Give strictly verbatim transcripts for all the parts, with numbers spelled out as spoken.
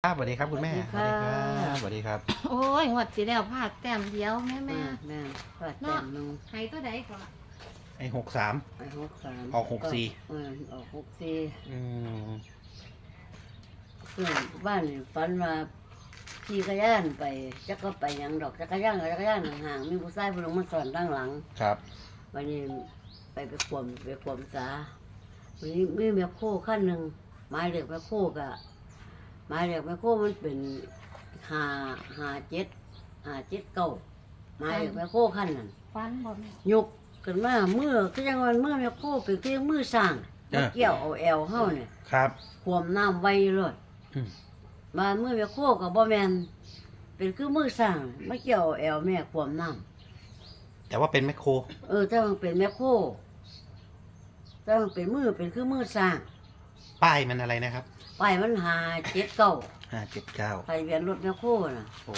ครับสวัสดีครับคุณแม่สวัสดีค่ะสวัสดีครับโอ้ยงวดสิแล้วพลาดแต้มเดียวแม่แม่แม่แม่ปลาแต้มหนึงให้ตัวใดก่อนไอ้หกสามไปหกสามออกหกสี่เออออกหกสี่อืมเพื่อนบ้านนี่ฝันว่าขี่กระยานไปจักก็ไปหยังดอกจักรยานกับจักรยานห่างๆมีผู้ชายผู้หนึงมาสอนด้านหลังครับวันนี้ไปไปขวมไปขวมสาวันนี้มีแมคโครขั้นหนึ่งไม้เหล็กแมคโครกะไม้เหล็กแมคโครมันเป็นหาหาเจ็ดหาเจ็ดเก้าไม้เหล็กแมคโครขั้นนั้นฟันบ่แม่ยกขึ้นมามือก็ยังวันมือแมคโครเป็นคือมือสร้างมาเกี่ยวเอาแอลเฮาเนี่ยครับขวมน้ำไว้เลยอืมมามือแมคโครกับบ่แมนเป็นคือมือสร้างมาเกี่ยวเอาแอลแม่ขวมน้ำแต่ว่าเป็นแมคโครเออถ้ามันเป็นแมคโครถ้ามันเป็นมือเป็นคือมือสร้างป้ายมันอะไรนะครับไปมันหาเจ็ดเก้าห้าเจ็ดเก้าไปเวียนรถแมคโครน่ะโอ้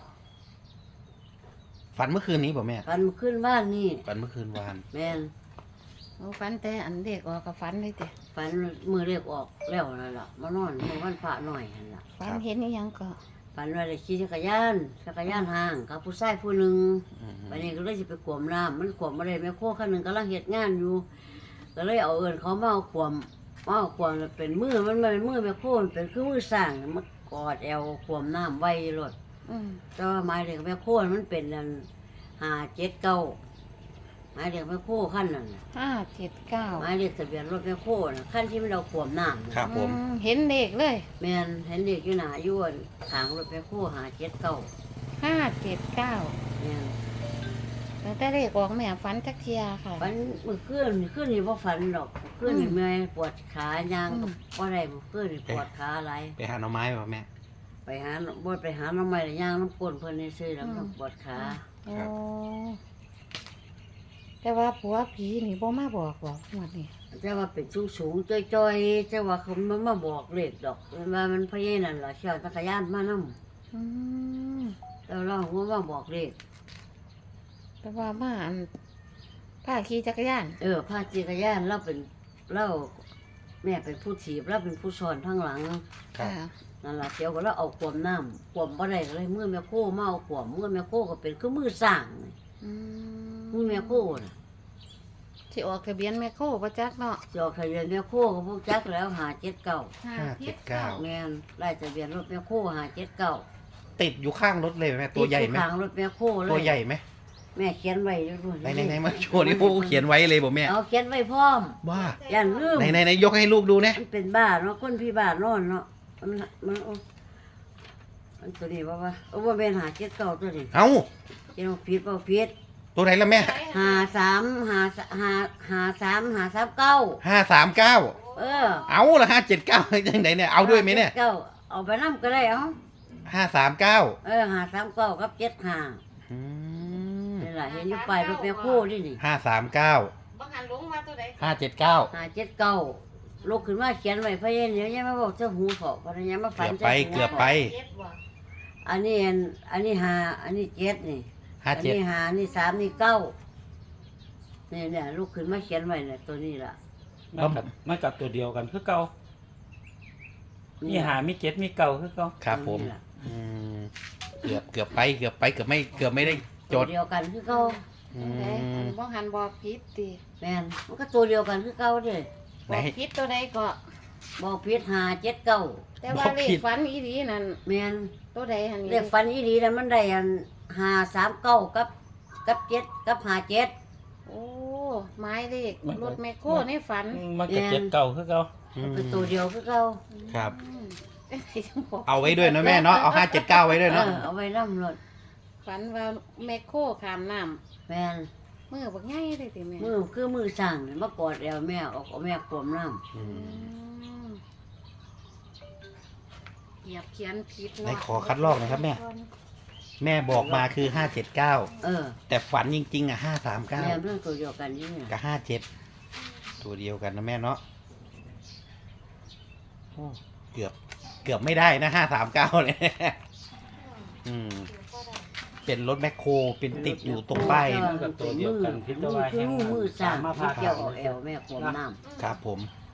ฝันเมื่อคืนนี้ป่ะแม่กันขึ้นบ้านนี่ฝันเมื่อคืนวานแม่นโอ้ฟันแต่อันเด็กออกกับฟันเลยติฝันมือเรียกออกแล้วนั่นล่ะมานอนเมื่อวันพระหน่อยนั่นล่ะฟันเห็นอีหยังก็ฝันว่าได้ขี่จักรยานจักรยานห่างกับผู้ชายผู้หนึ่งอืมวันนี้ก็เลยสิไปขวมน้ำมันขวมมาได้แมคโครคันหนึ่งกำลังเฮ็ดงานอยู่ ก็เลยเอาเอินเขามาเอาขวมมาเอาขวมแล้วเป็นมือมันไม่เป็นมือแมคโครมันเป็นคือมือสร้างมันกอดแอวขวมน้ำไว้รถอืมแต่ว่าไม้เด็กแมคโครมันเป็นอันหาเจ็ดเก้าไม้เด็กแมคโครขั้นนั้นน่ะห้าเจ็ดเก้าไม้เด็กทะเบียนรถแมคโครน่ะขั้นที่มันเราขวมน้ำน่ะครับผมอืเห็นเด็กเลยแม่นเห็นเด็กอยู่หนาอยู่อันทางรถแมคโครหาเจ็ดเก้าห้าเจ็ดเก้าแม่นตั้งแต่เด็กออกแม่ฟันจักเทียค่ะฝันเมื่อคืนเมื่อคืนนี่บ่ฝันดอกเมื่อคืนนี่อืมเมื่อยปวดขายางอืมก็บ่ได้เมื่อคืนนี่ปวดขาอะไรไปหาหน่อไม้ป่ะแม่ไปหาบ่ไปหาน้ำไม้ย่างน้ำก้นเพิ่นนี่ซื้อแล้วมันปวดขาโอ้แต่ว่าผัวผีนี่บ่มาบอกบอกงวดนี้แต่ว่าเป็นสูงสูงๆจ้อยๆแต่ว่าเขามันมาบอกเลขดอกว่ามันพะเยนั่นล่ะเชี่ยวจักรยานมานำอืมแล้วเราหัวมาบอกเลขแต่ว่ามาอันพาขี่จักรยานเออพาจักรยานเราเป็นเราแม่เป็นผู้ถีบเราเป็นผู้สอนทางหลังครับค่ะนั่นล่ะเดี๋ยวก็เราเอาขวมน้ำขวมบ่ได้ก็เลยมือแม่โคมาเอาขวมมือแม่โคก็เป็นคือมือสร้างอืมือแม่โคน่ะที่ออกทะเบียนแม่โคบ่จักเนาะจอกทะเบียนแม่โคก็พวกจักแล้วหาเจ็ดเก้าห้าเจ็ดเก้าแม่นไล่ทะเบียนรถแม่โคหาเจ็ดเก้าติดอยู่ข้างรถเลยแม่ตัวใหญ่ไหมทางรถแม่โคเลยตัวใหญ่ไหมแม่เขียนไว้ด้วยไหนไหนไหนมาโชว์นี่โอ้เขียนไว้เลยบอกแม่เอาเขียนไว้พร้อมว่าอย่าลืมไหนไหนไหนยกให้ลูกดูนะมันเป็นบ้านเนาะคนพี่บ้านนอนเนาะมันมันโอ้มันตัวนี้ว่าว่าโอ้ว่าเป็นหาเจ็ดเก้าตัวนี้เอ้าเจ้าผิดเปล่าผิดตัวไหนละแม่หาสามหาสหาหาสามหาสามเก้าห้าสามเก้าเออเอาละห้าเจ็ดเก้ายังไหนเนี่ยเอาด้วยไหมเนี่ยเก้าเอาไปน้ำก็ได้เอาห้าสามเก้าเออหาสามเก้ากับเจ็ดหาอืมนี่แหละเห็นอยู่ปลายรถแม่โคนี่นี่ห้าสามเก้าบ่หันลงมาตัวใดห้าเจ็ดเก้าหาเจ็ดเก้าลุกขึ้นมาเขียนไว้พะเย็นเดี๋ยวยังมาบอกเจ้าหูเขาพะยังมาฝันเกือบไปหูเกือบไปเจ็ดบ่อันนี้อันอันนี้หาอันนี้เจ็ดนี่ห้าอันเจ็ดนี้หาอันนี้สามนี่เก้าเนี่ยเนี่ยลุกขึ้นมาเขียนไว้เนี่ยตัวนี้ล่ะมันกับมันกับตัวเดียวกันคือเก่ามีหามีเจ็ดมีเก่าคือเก่าครับผมตัวนี้ล่ะอืมเกือบเกือบไปเกือบไปเกือบไม่เกือบไม่ได้จตัวดเดียวกันคือเก้าอืตัวใดอัมนบ่หันบอกผิดติแม่นมันก็ตัวเดียวกันคือเก้าเด้ไหนบอกผิดตัวใดก็บอกผิดหาเจ็ดเก้าแต่ว่าบอกเลผิขดฝันอีหลีนั่นแม่นตัวใดหันนี่เรียกฟันอีดีแล้วมันได้อันหาสามเก้ากับกับเจ็ดกับหาเจ็ดโอ้ไม้เลขรถแมคโครในฝันมันกับเจ็ดเก่าคือเก่าอืมเป็นตัวเดียวคือเก้าครับอืมจังไดจังบอกเอาไว้ด้วยนะแม่เนาะเอาห้าเจ็ดเก้าไว้ด้วยเอเนาะอเอาไว้น้ำรถฝันว่าแมคโครขามน้ำแม่นมือบักใหญ่เลยติแม่มือคือมือสั่งมากอดแอวแม่ออกเอาแม่ขวมน้อือืมมเหยียบเขียนผิดไหนเนาะขอคัดลอกหนะครับแม่ แม่บอกมาคือห้าเจ็ดเก้าำเออแต่ฝันจริงๆอ่ะห้าสามเก้าแม่เรื่องตัวเดียวกันนี่เนี่ยกับห้าเจ็ดตัวเดียวกันนะแม่เนาะโอ้เกือบ เกือบไม่ได้นะห้าสามเก้าเลยอืม เป็นรถแมคโครเป็นติดอยู่ตรงป้ายมันกับตัวเดียวกันพิจารณามือคือมือสั่งมาที่พาเกี่ยวเอาแอวแม่ขวมน้ครับผมำก็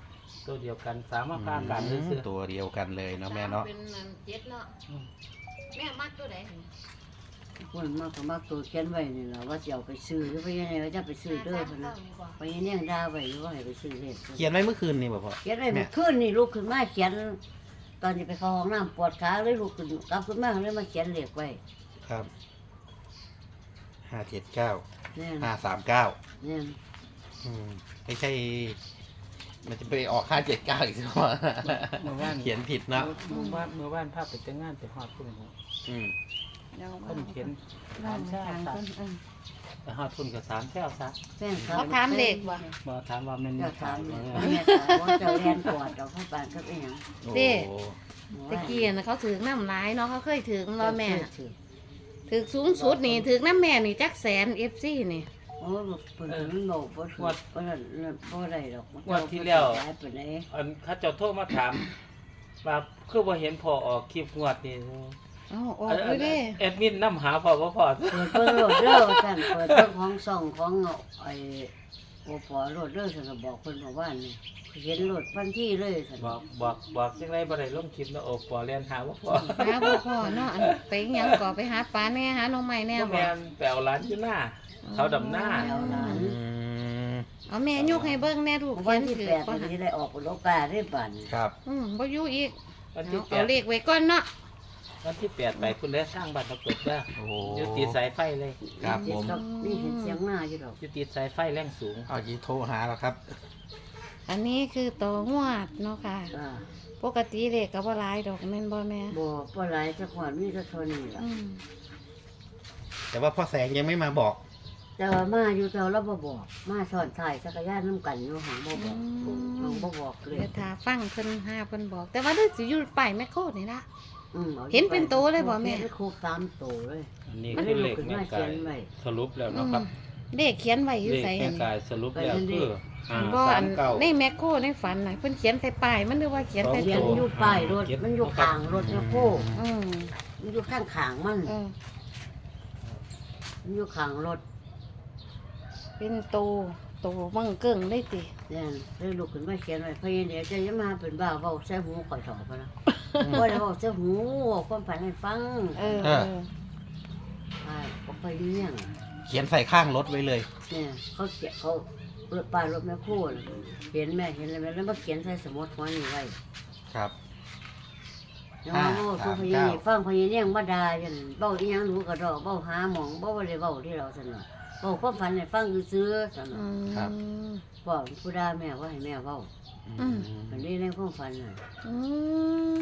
ตัวเดียวกันสามารถพากันซื้อตัวเดียวกันเลยเนาะแม่เนาะเป็นอันเจ็ดเนาะอืมแม่มักตัวไหนคนมากก็มากตัวเขียนไว้นี่ล่ะว่าจะเอาไปซื้อหรือไปยังไงว่าจะไปซื้อเด้อเพิ่นน่ะไปยังเนี่ยด่าไว้ว่าให้ไปซื้อเลขเขียนไว้เมื่อคืนนี่บ่พ่อเขียนไว้เมื่อคืนนี่ลุกขึ้นมาเขียน ตอนนี้ไปเข้าห้องน้ำปวดขาเลยลุกขึ้นกลับขึ้นมาเลยมาเขียนเลขไว้ครับห้าเจ็ดเก้าเนี่ยห้าสามเก้าเนี่ยอืมไม่ใช่ มันจะไปออกห้าเจ็ดเก้าอีกใช่ไหมเมื่อวานเขียนผิดเนาะเมื่อวานเมื่อวานภาพไปแต่งงานไปฮอดพุ่นนี่อืมเดี๋ยวคนเขียนสามแช่ตัดไปฮอดพุ่นก็สามแถวซะแฟนเขาเขาถามเลขบ่บ่ถามว่าแม่นเจ้าขายถามบ่เนี่ยว่าเจ้าเรียนกอดเราเข้าบ้านก็เป็นหยังโอ้เด้ ตะกี้น่ะเขาถือน้ำร้ายเนาะเขาเคยถือรอแม่ถือถือสูงสุดนี่ถือน้ำแม่นี่จักแสนเอฟซีนี่โอ้เพิ่นมันบอกบ่ถูกบ่ได้บ่ได้ดอกมันงวดที่แล้วย้ายไปไหนอันเขาเจ้าโทรมาถามว่าคือบ่เห็นพอออกคลิปงวดนี่เอ้าออกเลยเด้แอดมินนำหาพอบ่พอเปิดเปิดโหลดเด้อว่าซั่นเปิดเรื่องของซ่องของไอ้โอปอโหลดเด้อซั่นก็บอกเพิ่นบอกว่านี่เห็นโหลดทันทีเลยซั่นบอกบอกบอกจังไดบ่ได้ลงคลิปนะโอ้ปอเรียนหาบ่พอหาบ่พ่อเนาะอันไปหยังก่อไปหาปลาแน่หาหน้องใหม่แน่บ่บ่แม่นแปลวร้านอยู่หน้า เขาดำหน้าเอาหลานอืมเอาแม่ยกให้เบิ่งแน่ลูกวัเขียนนที่ถือแปดบ่วันหันนี้ได้ออกโลกาได้บัดครับอืมบ่อยู่อีกวันเอาที่แปเอาดเลขไว้ก่อนเนาะวันที่แปดไปคุณได้สร้างบ้านตะกรุดเด้อโอ้โหอยู่ติดสายไฟเลยครับผมนี่เห็นเสียงหน้าอยู่ดอกอยู่ติดสายไฟแรงสูงเอาจีโทรหาแล้วครับอันนี้คือตัวงวดเนาะค่ะอ่าปกติเลขก็บ่หลายดอกแม่นบ่แม่บ่บ่หลายจักหวานมีแต่เท่านี้ล่ะอืมแต่ว่าพ่อแสงยังไม่มาบอกแต่ว่ามาอยู่แต่เราบ่บอกมาสอนถ่ายจักรยานนํกันอยู่หังบ่บอกหังบ่บอกเลยเดี๋ยวถ้าฟังเพิ่นหาเพิ่นบอก แต่ว่าเด้อสิอยู่ป้ายแมคโครนี่ล่ะอืมอาอยู่เห็นเป็นโตเลยบ่แม่เห็นครบสามโตเลยอันนี้มันคืได้อลุเลกขขึ้นแม่มาเขีกายนยไว้สรุปแล้วอืเนาะมครับเลขเขียนไว้อยู่เลขไสแม่อันกานี้ยสรุปแล้วไปเรื่คืออยห้าบ่สาอัมนเก้าในแมคโครในฝันน่ะเพิ่นเขียนใส่ป้ายมันหรือว่าเขียนใส่เขียนโตอยู่ป้ายรถมันอยู่ข้างรถแมคโครอืมมันอยู่ข้างขางมันเออมันอยู่ข้างรถเป็นโตโตบังเกิ่งได้ติเนี่ยเลยลุกขึ้นมาเขียนไว้เพราะยังเดี๋ยวจะยังมาเป็นบ้าเว้าใส่หูข่อยถอดไปแล้วบ่ได้เว้าใส่หูเว้าความฝันให้ฟังเออเอเอออใช่บ่ค่อยเลี้ยงเขียนใส่ข้างรถไว้เลยเนี่ยเขาเขียนเขารถป้ายรถแมคโครน่ะเห็นแม่เห็นอะไรแล้วมาเขียนใส่สมุดหัวนี่ไว้ครับยังว่าเว้าทุกพยานี่ฟังพยาเนี่ยงบ่ด่าจังเว้าอีหยังหนูก็ดอกเว้าหาหมองบ่ว่าได้เว้าที่เราซั่นน่ะเว้าความฝันให้ฟังซื่อๆซั่นอืน่ะมพ่อผู้ด่าแม่ว่าให้แม่เว้าอืมมันนี่ในความฝันน่ะอืม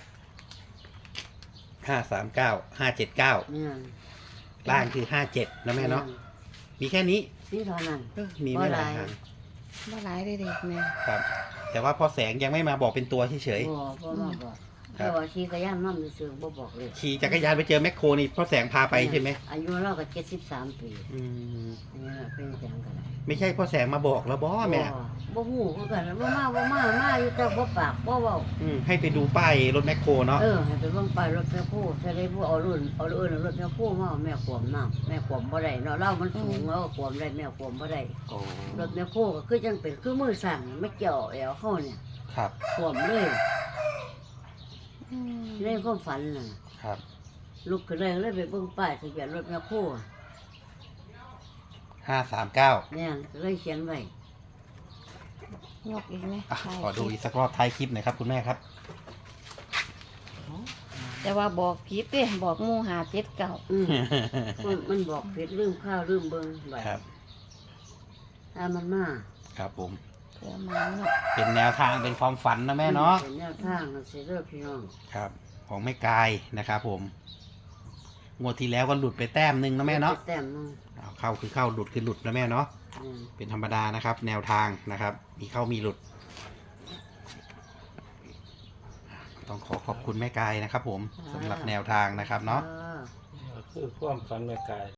ห้าสามเก้าห้าเจ็ดเก้าเนี่ยล่างคือห้าเจ็ดนะแม่เนาะมีแค่นี้นี่เท่านั้นเออมีไม่หลายบ่หลายทางบ่หลายได้เด็กแม่ครับ แต่ว่าพ่อแสงยังไม่มาบอกเป็นตัวเฉยบ่บ่มาบอกครับแต่ว่าขี่กระย่านนั่ซื่อๆบ่บอกเลยๆขี่จักรยานไปเจอแมคโครนี่พ่อแสงพาไปใช่ไหมอายุเราก็เจ็ดสิบสามปีอืมอันนี้ล่ะเป็นจังกันไม่ใช่พ่อแสงมาบอกแล้วบอแม่บ่ฮู้คือกันบ่มาบ่มามาอยู่แต่บ่ปากบ่เว้าอืมให้ไปดูป้ายรถแมคโครเนาะเออให้ไปเบิ่งป้ายรถแม่โคใส่ได้ผู้เอารุ่นเอาเอิ้นรถแม่โคมาเอาแม่ขวมน้ำแม่ขวมบ่ได้เนาะเรามันสูงแล้วขวมได้แม่ขวมบ่ได้โอ้รถแม่โคก็คือจังเป็นคือมือสั่นไม่เกี่ยวแอวเฮาเนี่ยครับขวมเลยอืมในความฝันน่ะครับลุกขึ้นเลยเลยไปเบิ่งป้ายทะเบียนรถแม่โคห้าสามเก้าเนี่ยเลยเขียนไว้ยกอีกไหมอ่ะถ่ายขอดูคลิอีปกสักรอบท้ายคลิปหน่อยครับคุณแม่ครับแต่ว่าบอกผิดเด้บอกหมู่หาเจ็ดเก่าอืมมันมันบอกผิดลืมข้าวลืมเบิ่งไว้ครับถ้ามันมาครับผมเพื่อมาเนาะเป็นแนวทางเป็นความฝันนะแม่เนาะเป็นแนวทางนะสิเด้อพี่น้องครับ ของแม่กายนะครับผม งวดที่แล้วก็หลุดไปแต้มหนึ่งนะแม่เนาะแต้มนึงเอาเข้าคือเข้าหลุดคือหลุดนะแม่เนาะอืมเป็นธรรมดานะครับ แนวทางนะครับ มีเข้ามีหลุด ต้องขอขอบคุณแม่กายนะครับผมสำหรับแนวทางนะครับเนาะออคือความฝันแม่กาย